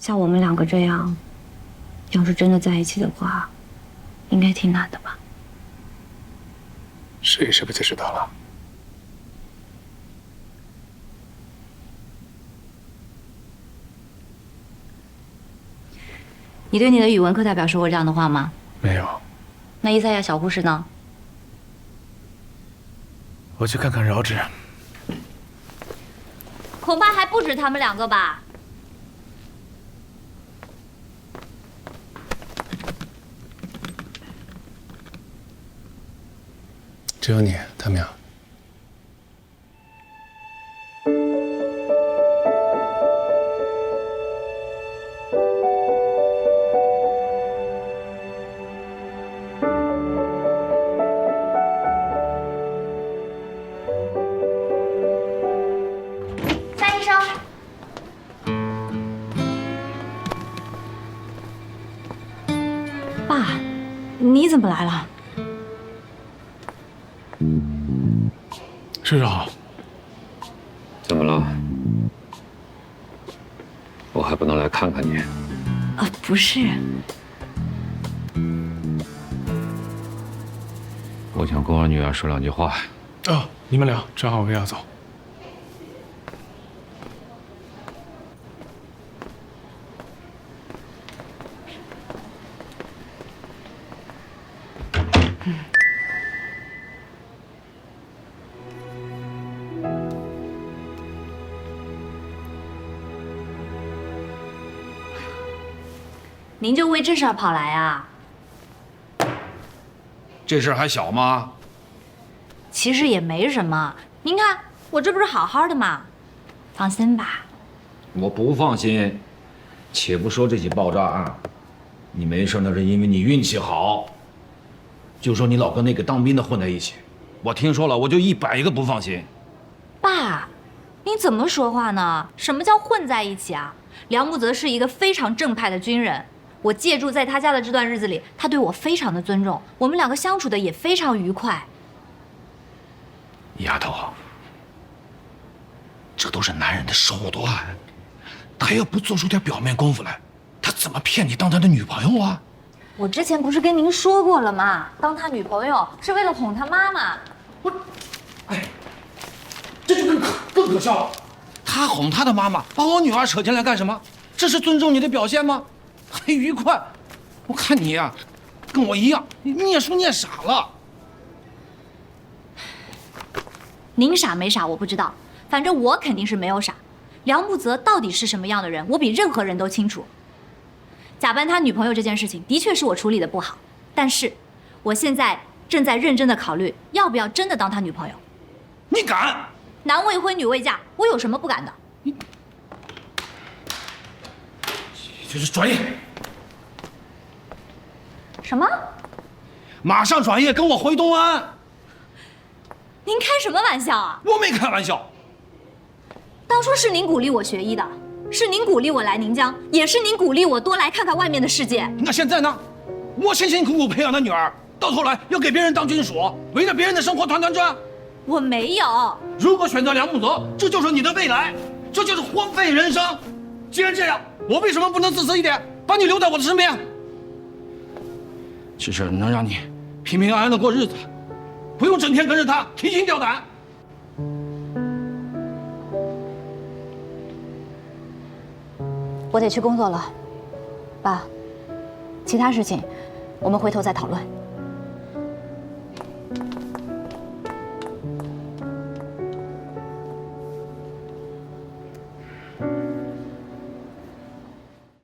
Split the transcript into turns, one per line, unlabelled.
像我们两个这样，要是真的在一起的话，应该挺难的吧？
试一试不就知道了？
你对你的语文课代表说过这样的话吗？
没有。
那伊赛亚小护士呢？
我去看看饶芷。
恐怕还不止他们两个吧。
只有你，他们俩。
范医生，
爸，你怎么来了？
世少，
怎么了？我还不能来看看你？
不是，
我想跟我女儿说两句话。
哦，你们聊，正好我也要走。
您就为这事儿跑来啊？
这事儿还小吗？
其实也没什么，您看我这不是好好的吗？放心吧。
我不放心。且不说这起爆炸案，你没事那是因为你运气好。就说你老跟那个当兵的混在一起，我听说了，我就100个不放心。
爸，您怎么说话呢？什么叫混在一起啊？梁木泽是一个非常正派的军人，我借住在他家的这段日子里，他对我非常的尊重，我们两个相处的也非常愉快。
丫头，这都是男人的手段，他要不做出点表面功夫来，他怎么骗你当他的女朋友啊？
我之前不是跟您说过了吗？当他女朋友是为了哄他妈妈。
这就更可笑了。他哄他的妈妈，把我女儿扯进来干什么？这是尊重你的表现吗？还愉快？我看你呀，跟我一样，你念书念傻了。
您傻没傻我不知道，反正我肯定是没有傻。梁木泽到底是什么样的人，我比任何人都清楚。假扮他女朋友这件事情，的确是我处理的不好，但是我现在正在认真的考虑，要不要真的当他女朋友。
你敢？
男未婚女未嫁，我有什么不敢的？
就是转业。
什么？
马上转业，跟我回东安。
您开什么玩笑啊？
我没开玩笑。
当初是您鼓励我学医的，是您鼓励我来宁江，也是您鼓励我多来看看外面的世界。
那现在呢？我辛辛苦苦培养的女儿，到头来要给别人当军属，围着别人的生活团团转。
我没有。如
果选择梁木泽，这就是你的未来，这就是荒废人生。既然这样，我为什么不能自私一点，把你留在我的身边？这事能让你平平安安的过日子，不用整天跟着他提心吊胆。
我得去工作了，爸，其他事情我们回头再讨论。